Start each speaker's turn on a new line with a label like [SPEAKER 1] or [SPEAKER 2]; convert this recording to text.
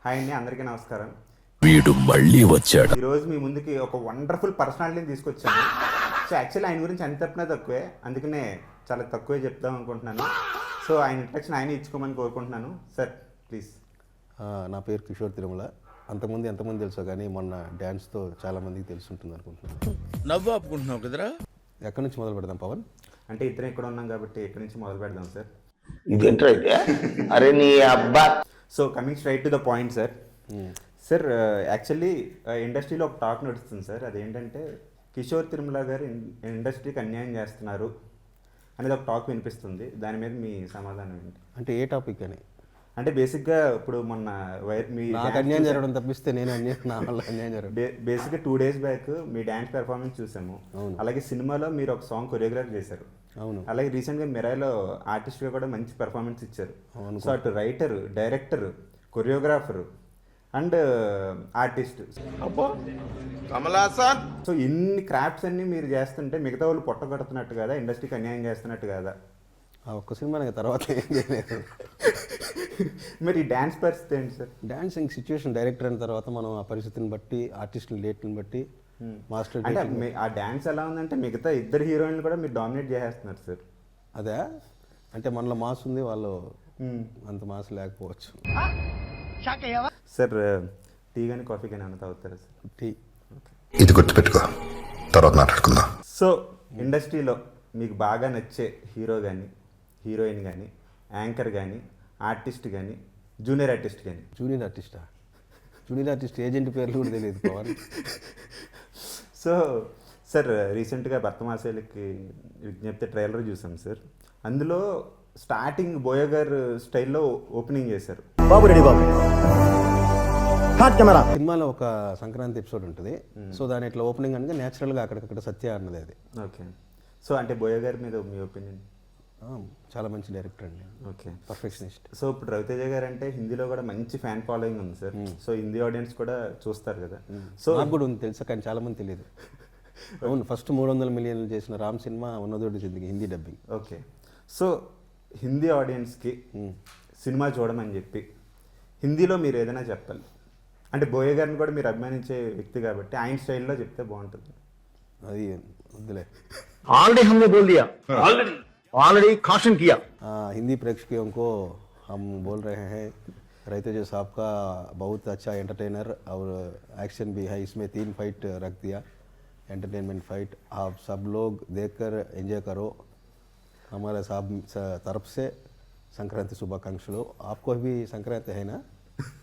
[SPEAKER 1] Hi అండి, అందరికీ నమస్కారం.
[SPEAKER 2] వీడు మళ్ళీ వచ్చాడు.
[SPEAKER 1] ఈరోజు మీ ముందుకి ఒక వండర్ఫుల్ పర్సనాలిటీని తీసుకొచ్చాను. సో యాక్చువల్లీ ఆయన గురించి ఎంత చెప్పినా తక్కువే, అందుకనే చాలా తక్కువే చెప్దాం అనుకుంటున్నాను. సో ఆయన ఇంట్రడక్షన్ ఆయన ఇచ్చుకోమని కోరుకుంటున్నాను. Sir please.
[SPEAKER 3] నా పేరు కిషోర్ తిరుమల. అంతకుముందు ఎంతమంది తెలుసో కానీ మొన్న డ్యాన్స్తో చాలామందికి తెలుసుంటుంది అనుకుంటున్నాను.
[SPEAKER 2] నవ్వు ఆపుకుంటున్నావు కదరా.
[SPEAKER 3] ఎక్కడి నుంచి మొదలు పెడదాం పవన్?
[SPEAKER 1] అంటే ఇద్దరం ఇక్కడ ఉన్నాం కాబట్టి ఎక్కడి నుంచి మొదలు పెడదాం సార్?
[SPEAKER 4] ఇదేంట్రా అయితే? అరే నీ అబ్బా.
[SPEAKER 1] So coming straight to the point sir. Sir actually ఇండస్ట్రీలో ఒక టాక్ నడుస్తుంది సార్. అదేంటంటే కిషోర్ తిరుమల గారు ఇండస్ట్రీకి అన్యాయం చేస్తున్నారు అనేది ఒక టాక్ వినిపిస్తుంది. దాని మీద మీ సమాధానం ఏంటి?
[SPEAKER 3] అంటే ఏ టాపిక్ అని?
[SPEAKER 1] అంటే బేసిక్గా ఇప్పుడు మొన్న మీ
[SPEAKER 3] నాకు అన్యాయం జరగడం తప్పిస్తే నేను నా వల్ల అన్యాయం జరగడం.
[SPEAKER 1] బేసిక్గా 2 days బ్యాక్ మీ డ్యాన్స్ పెర్ఫార్మెన్స్ చూసాము. అలాగే సినిమాలో మీరు ఒక సాంగ్ కొరియోగ్రాఫ్ చేశారు.
[SPEAKER 3] అవును.
[SPEAKER 1] అలాగే రీసెంట్గా మిరాయిలో ఆర్టిస్ట్గా కూడా మంచి పెర్ఫార్మెన్స్ ఇచ్చారు. సో అటు writer, director, choreographer and artist. So ఇన్ని క్రాఫ్ట్స్ అన్ని మీరు చేస్తుంటే మిగతా వాళ్ళు పొట్టగొడుతున్నట్టు కదా, ఇండస్ట్రీకి అన్యాయం చేస్తున్నట్టు కదా?
[SPEAKER 3] ఆ ఒక్క సినిమా తర్వాత ఏం చేయలేదు.
[SPEAKER 1] మరి ఈ డ్యాన్స్ పరిస్థితి ఏంటి సార్?
[SPEAKER 3] డాన్సింగ్ సిచ్యువేషన్ డైరెక్టర్ అయిన తర్వాత మనం ఆ పరిస్థితిని బట్టి, ఆర్టిస్టుల డేట్ని బట్టి, మాస్టర్
[SPEAKER 1] అంటే ఆ డ్యాన్స్ ఎలా ఉందంటే మిగతా ఇద్దరు హీరోయిన్లు కూడా మీరు డామినేట్ చేసేస్తున్నారు సార్.
[SPEAKER 3] అదే అంటే మనలో మాస్ ఉంది, వాళ్ళు అంత మాస్ లేకపోవచ్చు.
[SPEAKER 1] సార్ టీ కానీ కాఫీ కానీ ఏమైనా తాగుతారా సార్?
[SPEAKER 3] టీ.
[SPEAKER 5] ఇది గుర్తుపెట్టుకో, తర్వాత మాట్లాడుకుందాం.
[SPEAKER 1] సో ఇండస్ట్రీలో మీకు బాగా నచ్చే హీరో కానీ, హీరోయిన్ కానీ, యాంకర్ కానీ, ఆర్టిస్ట్ కానీ, జూనియర్ ఆర్టిస్ట్ కానీ?
[SPEAKER 3] జూనియర్ ఆర్టిస్టా? జూనియర్ ఆర్టిస్ట్ ఏజెంట్ పేర్లు కూడా తెలియదు పవన్.
[SPEAKER 1] సో సార్ రీసెంట్గా భర్తమాసేలకి విజ్ఞప్తి ట్రైలర్ చూసాం సార్. అందులో స్టార్టింగ్ బోయ గారు స్టైల్లో ఓపెనింగ్ చేశారు.
[SPEAKER 6] బాబు రెడీ బాబు. కెమెరా.
[SPEAKER 3] సినిమాలో ఒక సంక్రాంతి ఎపిసోడ్ ఉంటుంది. సో దాని ఇట్లా ఓపెనింగ్ అనగా న్యాచురల్గా అక్కడికక్కడ సత్య అన్నది అది.
[SPEAKER 1] ఓకే. సో అంటే బోయ గారి మీద మీ ఒపీనియన్?
[SPEAKER 3] చాలా మంచి డైరెక్టర్ అండి.
[SPEAKER 1] Okay,
[SPEAKER 3] perfectionist.
[SPEAKER 1] సో ఇప్పుడు రవితేజ గారు అంటే హిందీలో కూడా మంచి ఫ్యాన్ ఫాలోయింగ్ ఉంది సార్. సో హిందీ ఆడియన్స్ కూడా చూస్తారు కదా. సో
[SPEAKER 3] నాకు కూడా ఉంది తెలుసా, కానీ చాలా మంది తెలియదు. అవును, ఫస్ట్ 300 మిలియన్లు చేసిన రామ్ సినిమా ఉన్నదోటి జిందగీ Hindi dubbing.
[SPEAKER 1] Okay. So Hindi ఆడియన్స్కి సినిమా చూడమని చెప్పి హిందీలో మీరు ఏదైనా చెప్పాలి అంటే, బోయ గారిని కూడా మీరు అభిమానించే వ్యక్తి కాబట్టి ఆయన స్టైల్లో చెప్తే బాగుంటుంది.
[SPEAKER 3] అది వద్దులే.
[SPEAKER 6] ऑलरेडी हमने बोल दिया, ऑलरेडी कॉशन किया.
[SPEAKER 3] हिंदी प्रेक्षकों को हम बोल रहे हैं, रवितेज साहब का बहुत अच्छा एंटरटेनर और एक्शन भी है. इसमें 3 फाइट रख दिया, एंटरटेनमेंट फाइट. आप सब लोग देखकर एंजॉय करो. हमारे साहब तरफ से संक्रांति शुभाकांक्षलु. आपको भी संक्रांति है ना?